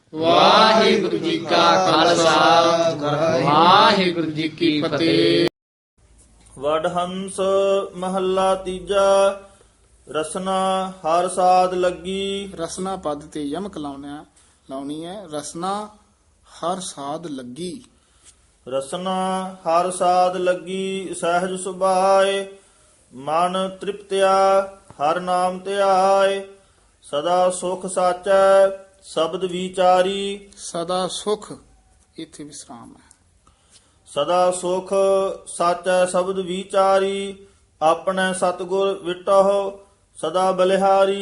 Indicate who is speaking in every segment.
Speaker 1: ਵਾਹਿਗੁਰੂ ਜੀ ਕਾ ਖਾਲਸਾ ਵਾਹਿਗੁਰੂ ਜੀ ਕੀ ਫਤਿਹ।
Speaker 2: ਵਡਹੰਸ ਮਹੱਲਾ ਤੀਜਾ। ਰਸਨਾ ਹਰ ਸਾਧ ਲੱਗੀ।
Speaker 3: ਰਸਨਾ ਪਦ ਤੇ ਯਮਕ ਲਾਉਣੀ ਹੈ। ਰਸਨਾ ਹਰ ਸਾਧ ਲੱਗੀ।
Speaker 2: ਰਸਨਾ ਹਰ ਸਾਧ ਲੱਗੀ ਸਹਿਜ ਸੁਭਾਏ। ਮਨ ਤ੍ਰਿਪਤਿਆ ਹਰ ਨਾਮ ਧਿਆਏ। ਸਦਾ ਸੁਖ ਸਾਚੈ ਸ਼ਬਦ ਵਿਚਾਰੀ।
Speaker 3: ਸਦਾ ਸੁਖ, ਇੱਥੇ ਵਿਸਰਾਮ ਹੈ।
Speaker 2: ਸਦਾ ਸੁਖ ਸਾਚੈ ਸ਼ਬਦ ਵਿਚਾਰੀ। ਆਪਣੇ ਸਤਿਗੁਰ ਵਿਟਹੁ ਸਦਾ ਬਲਿਹਾਰੀ।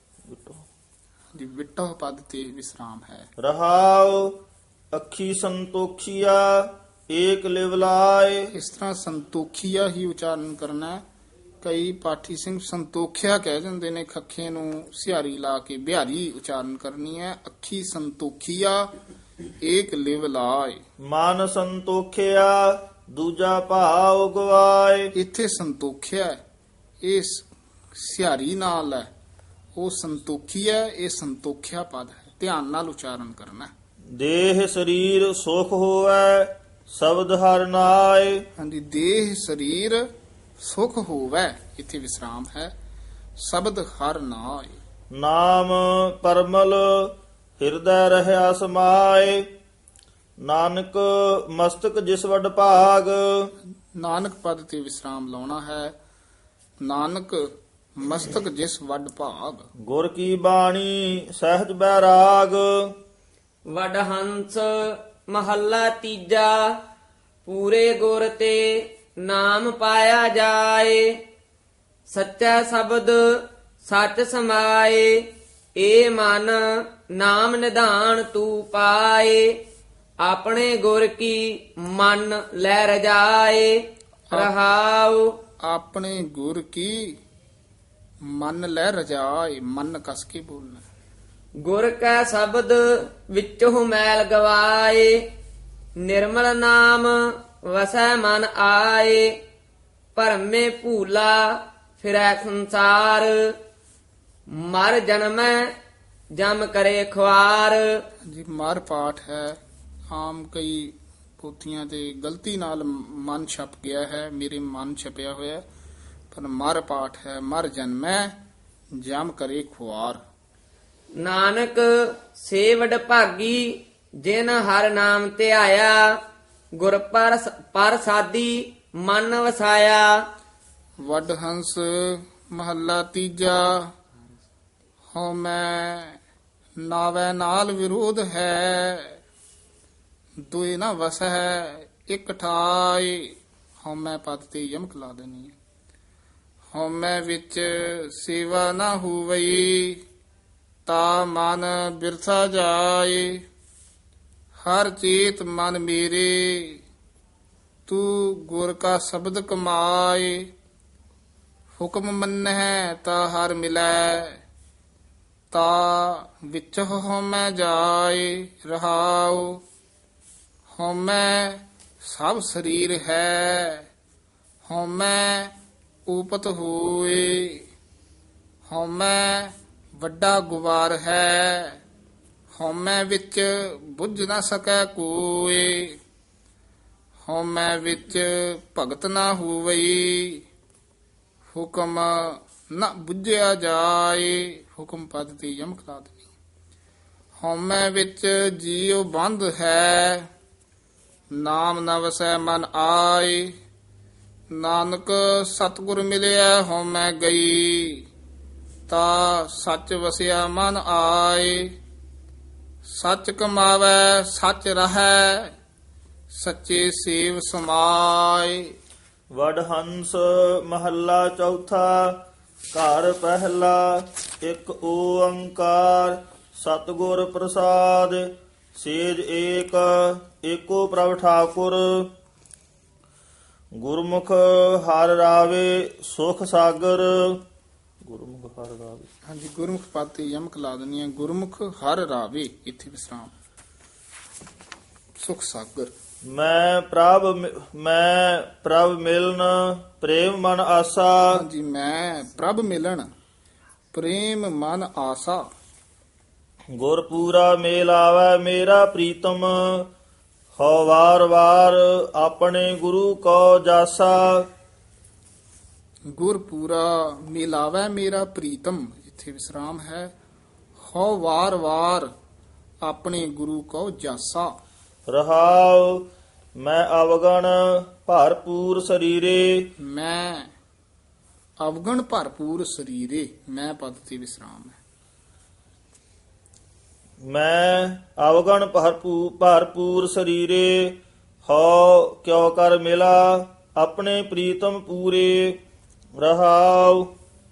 Speaker 3: ਜੀ ਵਿਟੋ ਪਦ ਤੇ ਵਿਸਰਾਮ ਹੈ।
Speaker 2: ਰਹਾਉ ਅੱਖੀ ਸੰਤੋਖੀਆ ਏਕ ਲਿਵ ਲਾਏ।
Speaker 3: ਇਸ ਤਰ੍ਹਾਂ ਸੰਤੋਖੀਆ ਹੀ ਉਚਾਰਨ ਕਰਨਾ ਹੈ। ਕਈ ਪਾਠੀ ਸਿੰਘ ਸੰਤੋਖਿਆ ਕਹਿ ਜਾਂਦੇ ਨੇ, ਖੱਖੇ ਨੂੰ ਸਿਹਾਰੀ ਲਾ ਕੇ ਬਿਹਾਰੀ ਉਚਾਰਨ ਕਰਨੀ ਹੈ। ਅੱਖੀ ਸੰਤੋਖੀਆ ਏਕ ਲਿਵ ਲਾਏ।
Speaker 2: ਮਨ ਸੰਤੋਖਿਆ ਦੂਜਾ ਭਾਵ ਗਵਾਏ।
Speaker 3: ਇੱਥੇ ਸੰਤੋਖਿਆ ਹੈ, ਇਹ ਸਿਹਾਰੀ ਨਾਲ ਹੈ। ਉਹ ਸੰਤੋਖੀ ਹੈ, ਇਹ ਸੰਤੋਖਿਆ ਪਦ ਹੈ। ਧਿਆਨ ਨਾਲ ਉਚਾਰਨ ਕਰਨਾ ਹੈ।
Speaker 2: ਦੇਹ ਸਰੀਰ ਸੁਖ ਹੋਵੈ ਸ਼ਬਦ ਹਰਿ ਨਾਏ।
Speaker 3: ਹਾਂਜੀ, ਦੇਹ ਸਰੀਰ ਸੁਖ ਹੋਵੈ, ਇੱਥੇ ਵਿਸਰਾਮ ਹੈ। ਸ਼ਬਦ ਹਰ ਨਾਏ।
Speaker 2: ਨਾਮ ਪਰਮਲ ਹਿਰਦੈ ਰਹਿਆ ਸਮਾਏ। ਨਾਨਕ ਮਸਤਕ ਜਿਸ ਵਡ ਭਾਗ।
Speaker 3: ਨਾਨਕ ਪਦ ਤੇ ਵਿਸਰਾਮ ਲਾਉਣਾ ਹੈ। ਨਾਨਕ ਮਸਤਕ ਜਿਸ ਵੱਡ ਭਾਗ।
Speaker 2: ਗੁਰ ਕੀ ਬਾਣੀ ਸਹਿਜ ਬੈਰਾਗ।
Speaker 1: ਵਡਹੰਸ ਮਹੱਲਾ ਤੀਜਾ। ਪੂਰੇ ਗੁਰ ਤੇ ਨਾਮ ਪਾਇਆ ਜਾਏ। ਸੱਚਾ ਸ਼ਬਦ ਸੱਚ ਸਮਾਏ। ਏ ਮਨ ਨਾਮ ਨਿਧਾਨ ਤੂੰ ਪਾਏ। ਆਪਣੇ ਗੁਰ ਕੀ ਮਨ ਲੈ ਰਜਾਏ। ਰਹਾਉ
Speaker 3: ਆਪਣੇ ਗੁਰ ਕੀ ਮਨ ਲੈ ਰਜਾਏ। ਮਨ ਕਸ ਕੇ ਬੋਲਣਾ।
Speaker 1: ਗੁਰ ਕੈ ਸ਼ਬਦ ਵਿੱਚੋਂ ਮੈਲ ਗਵਾਏ। ਨਿਰਮਲ ਨਾਮ ਵਸੈ ਮਨ ਆਏ। ਭਰਮੇ ਭੂਲਾ ਫਿਰੈ ਸੰਸਾਰ। ਮਰ ਜਨਮੈ ਜਮ ਕਰੇ ਖੁਆਰ।
Speaker 3: ਜੀ ਮਰ ਪਾਠ ਹੈ। ਆਮ ਕਈ ਪੋਥੀਆਂ ਤੇ ਗਲਤੀ ਨਾਲ ਮਨ ਛਪ ਗਿਆ ਹੈ। ਮੇਰੇ ਮਨ ਛਪਿਆ ਹੋਇਆ, ਪਰ ਮਰ ਪਾਠ ਹੈ। ਮਰ ਜਨਮੈ ਜਮ ਕਰੇ ਖੁਆਰ।
Speaker 1: ਨਾਨਕ ਸੇਵਡ ਭਾਗੀ ਜਿਨ ਹਰ ਨਾਮ ਧਿਆਇਆ। ਗੁਰ ਪਰ ਸਾਦੀ ਮਨ ਵਸਾਇਆ।
Speaker 3: ਵੱਡ ਹੰਸ ਮਹੱਲਾ ਤੀਜਾ। ਹਉ ਮੈਂ ਨਾਵੈ ਨਾਲ ਵਿਰੋਧ ਹੈ। ਦੁਇ ਨਾ ਵਸੈ ਇਕ ਠਾਈ। ਹਉ ਮੈਂ ਪਦ ਤੇ ਯਮਕ ਲਾ ਦੇਣੀ ਹੈ। ਹਉ ਮੈਂ ਵਿੱਚ ਸੇਵਾ ਨਾ ਹੋਵਈ। ਤਾ ਮਨ ਬਿਰਥਾ ਜਾਏ। ਹਰ ਚੇਤ ਮਨ ਮੇਰੇ ਤੂੰ ਗੁਰ ਕਾ ਸ਼ਬਦ ਕਮਾਏ। ਹੁਕਮ ਮੰਨਹਿ ਤਾ ਹਰ ਮਿਲੈ। ਤਾ ਵਿੱਚ ਹਉਮੈ ਜਾਏ। ਰਹਾਉ ਹਉਮੈ ਸਭ ਸਰੀਰ ਹੈ। ਹਉਮੈ ਊਪਤ ਹੋਏ। ਹਉਮੈ ਵੱਡਾ ਗੁਬਾਰ ਹੈ। ਹਉਮੈ ਵਿੱਚ ਬੁੱਝ ਨਾ ਸਕੈ ਕੋਇ। ਹਉਮੈ ਵਿੱਚ ਭਗਤ ਨਾ ਹੋਵਈ। ਹੁਕਮ ਨਾ ਬੁੱਝਿਆ ਜਾਏ। ਹੁਕਮ ਪਦ ਤੇ ਯਮਕ ਲਾ ਦੇਣੀ। ਹਉਮੈ ਵਿੱਚ ਜੀਉ ਬੰਧ ਹੈ। ਨਾਮ ਨ ਵਸੈ ਮਨ ਆਏ। ਨਾਨਕ ਸਤਿਗੁਰ ਮਿਲਿਆ ਹਉਮੈ ਗਈ। ਤਾ ਸੱਚ ਵਸਿਆ ਮਨ ਆਏ। ਸੱਚ ਕਮਾਵੈ ਸੱਚ ਰਹੈ। ਸੱਚੇ ਸੇਵ ਸਮਾਏ।
Speaker 2: ਵਡਹੰਸ ਮਹੱਲਾ ਚੌਥਾ। ਘਰ ਪਹਿਲਾ ਇੱਕ ਓੰਕਾਰ ਸਤਿਗੁਰ ਪ੍ਰਸਾਦ। ਸੇਜ ਏਕ ਏਕੋ ਪ੍ਰਭ ਠਾਕੁਰ। ਗੁਰਮੁਖ ਹਰਿ ਰਾਵੇ ਸੁਖ ਸਾਗਰ। ਗੁਰਮੁਖ ਹਰਿ ਰਾਵੇ।
Speaker 3: ਹਾਂਜੀ, ਗੁਰਮੁਖ ਪਦ ਤੇ ਯਮਕ ਲਾ ਦੇਣੀ ਹੈ। ਗੁਰਮੁਖ ਹਰ ਰਾਵੇ, ਇੱਥੇ ਵਿਸਰਾਮ। ਸੁਖ ਸਾਗਰ।
Speaker 2: ਮੈਂ ਪ੍ਰਭ ਮਿਲਨ ਪ੍ਰੇਮ ਮਨ ਆਸਾ।
Speaker 3: ਹਾਂਜੀ, ਮੈਂ ਪ੍ਰਭ ਮਿਲਣ ਪ੍ਰੇਮ ਮਨ ਆਸਾ।
Speaker 2: ਗੁਰ ਪੂਰਾ ਮੇਲ ਆਵੈ ਮੇਰਾ ਪ੍ਰੀਤਮ, ਹਉ ਵਾਰ ਵਾਰ ਆਪਣੇ ਗੁਰੂ ਕੋ ਜਾਸਾ।
Speaker 3: ਗੁਰ ਪੂਰਾ ਮਿਲਾਵੈ ਮੇਰਾ ਪ੍ਰੀਤਮ, ਇੱਥੇ ਵਿਸਰਾਮ ਹੈ। ਹਉ ਵਾਰ ਵਾਰ ਆਪਣੇ ਗੁਰੂ ਕੋ ਜਾਸਾ।
Speaker 2: ਰਹਾਉ ਮੈਂ ਅਵਗਣ ਭਰਪੂਰ ਸਰੀਰੇ,
Speaker 3: ਮੈਂ ਅਵਗਣ ਭਰਪੂਰ ਸਰੀਰੇ, ਮੈਂ ਪਦ ਤੇ ਵਿਸਰਾਮ ਹੈ।
Speaker 2: ਮੈਂ ਅਵਗਣ ਭਰਪੂਰ ਸਰੀਰੇ, ਹਉ ਕਿਉ ਕਰ ਮਿਲਾ ਆਪਣੇ ਪ੍ਰੀਤਮ ਪੂਰੇ। ਰਹਾਉ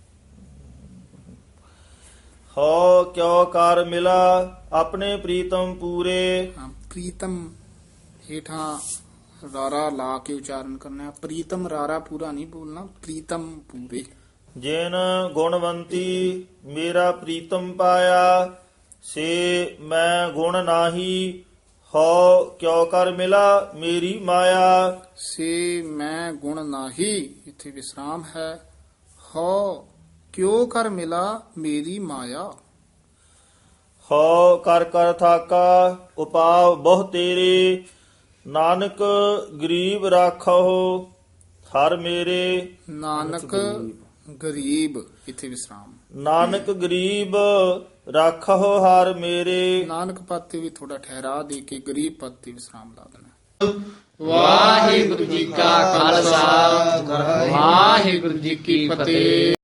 Speaker 2: ਹਉ ਕਿਉ ਕਰ ਮਿਲਾ ਆਪਣੇ ਪ੍ਰੀਤਮ ਪੂਰੇ।
Speaker 3: ਪ੍ਰੀਤਮ ਹੇਠਾਂ ਰਾਰਾ ਲਾ ਕੇ ਉਚਾਰਨ ਕਰਨਾ ਹੈ। ਪ੍ਰੀਤਮ ਰਾਰਾ ਪੂਰਾ ਨਹੀਂ ਬੋਲਣਾ, ਪ੍ਰੀਤਮ ਪੂਰੇ।
Speaker 2: ਜਿਨ ਗੁਣਵੰਤੀ ਮੇਰਾ ਪ੍ਰੀਤਮ ਪਾਇਆ, ਸੇ ਮੈਂ ਗੁਣ ਨਾਹੀ ਹਉ ਕਿਉ ਕਰ ਮਿਲਾ ਮੇਰੀ ਮਾਇਆ।
Speaker 3: ਸੇ ਮੈਂ ਗੁਣ ਨਾਹੀ, ਇੱਥੇ ਵਿਸਰਾਮ ਹੈ। ਹਉ ਕਿਉ ਕਰ ਮਿਲਾ ਮੇਰੀ ਮਾਇਆ।
Speaker 2: ਹਉ ਕਰ ਕਰ ਥਾਕਾ ਉਪਾਵ ਬਹੁ ਤੇਰੇ, ਨਾਨਕ ਗਰੀਬ ਰਾਖੋ ਹਰ ਮੇਰੇ।
Speaker 3: ਨਾਨਕ ਗਰੀਬ, ਇੱਥੇ ਵਿਸਰਾਮ।
Speaker 2: ਨਾਨਕ ਗਰੀਬ ਰਾਖੋ ਹਰ ਮੇਰੇ।
Speaker 3: ਨਾਨਕ ਪਦ ਤੇ ਵੀ ਥੋੜਾ ਠਹਿਰਾ ਦੇ ਕੇ ਗਰੀਬ ਪਦ ਤੇ ਵਿਸਰਾਮ ਲਾ ਦੇਣਾ।
Speaker 1: ਵਾਹਿਗੁਰੂ ਜੀ ਕਾ ਖਾਲਸਾ ਵਾਹਿਗੁਰੂ ਜੀ ਕੀ ਫਤਿਹ।